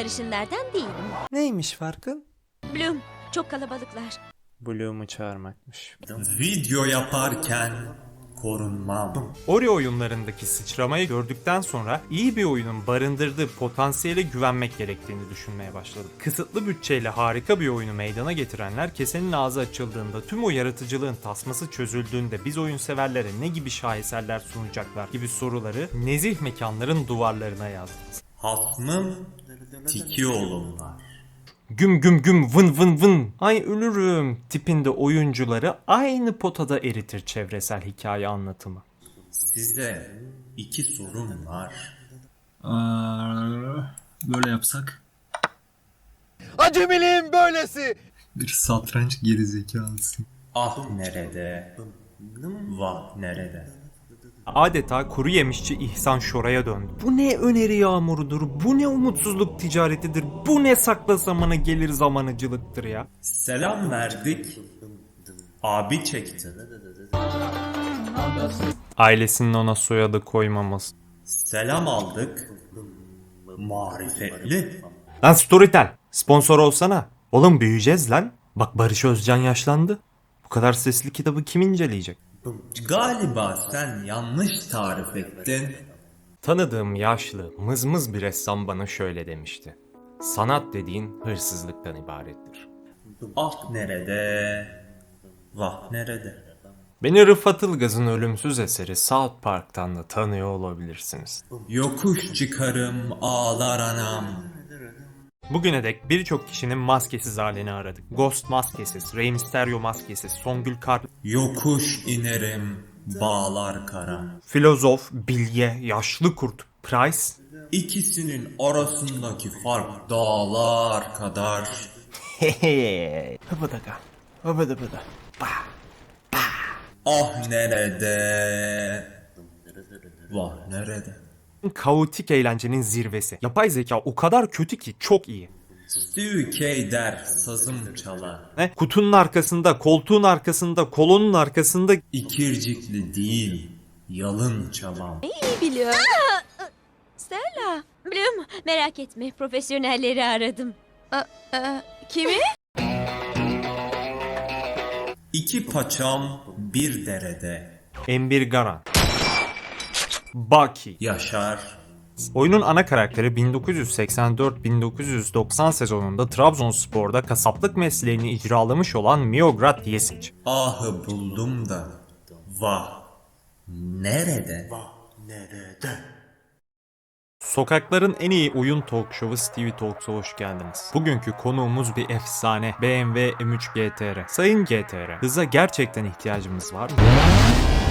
sarışınlardan değilim. Neymiş farkın? Bloom, çok kalabalıklar. Bloom'u çağırmakmış. Video yaparken korunmam. Ori oyunlarındaki sıçramayı gördükten sonra iyi bir oyunun barındırdığı potansiyele güvenmek gerektiğini düşünmeye başladım. Kısıtlı bütçeyle harika bir oyunu meydana getirenler kesenin ağzı açıldığında, tüm o yaratıcılığın tasması çözüldüğünde biz oyun severlere ne gibi şaheserler sunacaklar gibi soruları nezih mekanların duvarlarına yazdınız. Hasmım tiki oğlumlar. Güm güm güm vın vın vın ay ölürüm tipinde oyuncuları aynı potada eritir çevresel hikaye anlatımı. Size 2 sorum var. Böyle yapsak. Acemiliğin böylesi. Bir satranç gerizekalısı. Ah nerede? Vah nerede? Adeta kuru yemişçi İhsan Şoray'a döndü. Bu ne öneri yağmurudur, bu ne umutsuzluk ticaretidir, bu ne sakla zamanı gelir zamanıcılıktır ya. Selam verdik. Abi çekti. Ailesinin ona soyadı koymaması. Selam aldık. Marifetli. Lan Storytel, sponsor olsana. Oğlum büyüyeceğiz lan. Bak Barış Özcan yaşlandı. Bu kadar sesli kitabı kim inceleyecek? Galiba sen yanlış tarif ettin. Tanıdığım yaşlı, mızmız bir ressam bana şöyle demişti. Sanat dediğin hırsızlıktan ibarettir. Ah nerede? Vah nerede? Beni Rıfat Ilgaz'ın ölümsüz eseri South Park'tan da tanıyor olabilirsiniz. Yokuş çıkarım ağlar anam. Bugüne dek birçok kişinin maskesiz halini aradık. Ghost maskesiz, Rey Mysterio maskesiz, Songül Kar, Yokuş inerim bağlar kara. filozof, bilge, yaşlı kurt, Price. İkisinin arasındaki fark dağlar kadar. Hıbıdıga, hıbıdıbıdı. Ah nerede? Vah nerede? Kaotik eğlencenin zirvesi. Yapay zeka o kadar kötü ki çok iyi. Steve K der sazım çalar. Ne? Kutunun arkasında, koltuğun arkasında, kolonun arkasında. İkircikli değil, yalın çalam. İyi biliyorum. Stella. Bloom, merak etme. Profesyonelleri aradım. Kimi? 2 paçam bir derede. Embir Garan. Baki. Yaşar. Oyunun ana karakteri 1984-1990 sezonunda Trabzonspor'da kasaplık mesleğini icralamış olan Miograd Yesic. Ahı buldum da. Vah nerede? Sokakların en iyi oyun talk show'u Stevie Talks'a hoş geldiniz. Bugünkü konuğumuz bir efsane BMW M3 GTR. Sayın GTR, hıza gerçekten ihtiyacımız var mı?